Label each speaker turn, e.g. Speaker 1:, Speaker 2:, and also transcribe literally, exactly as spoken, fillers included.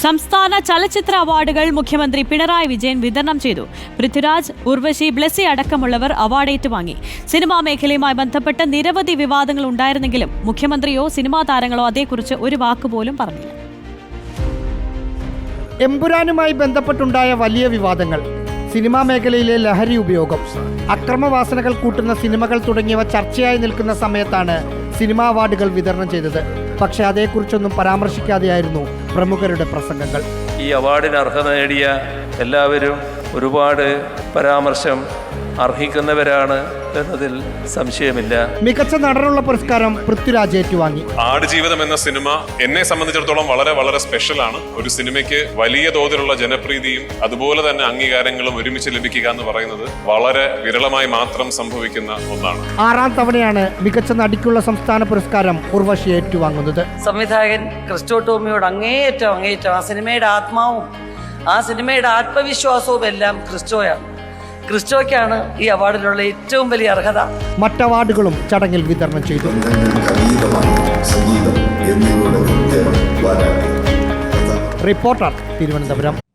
Speaker 1: സംസ്ഥാന ചലച്ചിത്ര അവാർഡുകൾ മുഖ്യമന്ത്രി പിണറായി വിജയൻ വിതരണം ചെയ്തു. പൃഥ്വിരാജ്, ഉർവശി, ബ്ലെസി അടക്കമുള്ളവർ അവാർഡ് ഏറ്റുവാങ്ങി. സിനിമാ മേഖലയുമായി ബന്ധപ്പെട്ട് നിരവധി വിവാദങ്ങൾ ഉണ്ടായിരുന്നെങ്കിലും മുഖ്യമന്ത്രിയോ സിനിമാ താരങ്ങളോ അതേക്കുറിച്ച് ഒരു വാക്കുപോലും പറഞ്ഞില്ല.
Speaker 2: എമ്പുരാനുമായി ബന്ധപ്പെട്ടുണ്ടായ വലിയ വിവാദങ്ങൾ, സിനിമാ മേഖലയിലെ ലഹരി ഉപയോഗം, അക്രമവാസനകൾ കൂട്ടുന്ന സിനിമകൾ തുടങ്ങിയവ ചർച്ചയായി നിൽക്കുന്ന സമയത്താണ് സിനിമാ അവാർഡുകൾ വിതരണം ചെയ്തത്. പക്ഷേ അതേക്കുറിച്ചൊന്നും പരാമർശിക്കാതെയായിരുന്നു പ്രമുഖരുടെ പ്രസംഗങ്ങൾ.
Speaker 3: ഈ അവാർഡിന് അർഹത നേടിയ എല്ലാവരും ഒരുപാട് പരാമർശം അർഹിക്കുന്നവരാണ് എന്നതിൽ സംശയമില്ല.
Speaker 2: മികച്ച നടനുള്ള പുരസ്കാരം പൃഥ്വിരാജ് ഏറ്റുവാങ്ങി.
Speaker 4: ആടുജീവിതം എന്ന സിനിമ എന്നെ സംബന്ധിച്ചിടത്തോളം വളരെ വളരെ സ്പെഷ്യലാണ്. ഒരു സിനിമയ്ക്ക് വലിയ തോതിലുള്ള ജനപ്രീതിയും അതുപോലെ തന്നെ അംഗീകാരങ്ങളും ഒരുമിച്ച് ലഭിക്കുക എന്ന് പറയുന്നത് വളരെ വിരളമായി മാത്രം സംഭവിക്കുന്ന ഒന്നാണ്.
Speaker 2: ആറാം തവണയാണ് മികച്ച നടിക്കുള്ള സംസ്ഥാന പുരസ്കാരം ഉർവശി ഏറ്റുവാങ്ങുന്നത്.
Speaker 5: സംവിധായകൻ ക്രിസ്റ്റോ ടോമിയോട് അങ്ങേയറ്റം അങ്ങേയറ്റം ആ സിനിമയുടെ ആത്മാവും ആ സിനിമയുടെ ആത്മവിശ്വാസവും എല്ലാം ക്രിസ്റ്റോയാണ്. ക്രിസ്റ്റോയ്ക്കാണ് ഈ അവാർഡിലുള്ള ഏറ്റവും വലിയ അർഹത.
Speaker 2: മറ്റ് അവാർഡുകളും ചടങ്ങിൽ വിതരണം ചെയ്തു. റിപ്പോർട്ടർ, തിരുവനന്തപുരം.